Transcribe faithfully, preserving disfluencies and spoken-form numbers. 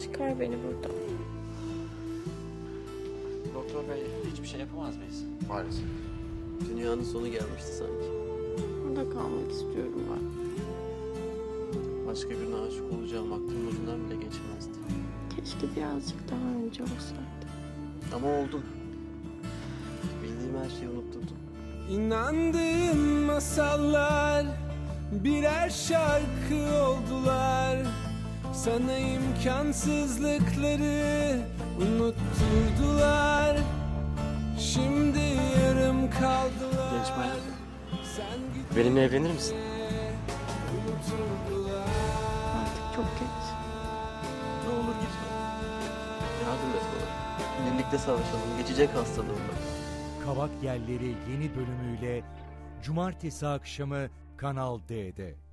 Çıkar beni buradan. Doktor bey, hiçbir şey yapamaz mıyız? Maalesef. Dünyanın sonu gelmişti sanki. Burada kalmak istiyorum ben. Başka birine aşık olacağım aklımın ucundan bile geçmezdi. Keşke birazcık daha önce olsaydı. Ama oldum. Bildiğim her şeyi unutturdum. İnandığım masallar birer şarkı oldular. Sana imkansızlıkları unutturdular. Şimdi yarım kaldılar. Genç bayan, benimle evlenir misin? Artık çok geç. Ne olur gitme. Yardım et bana. Birlikte savaşalım. Geçecek hastalığım var. Kavak Yelleri yeni bölümüyle Cumartesi akşamı Kanal D'de.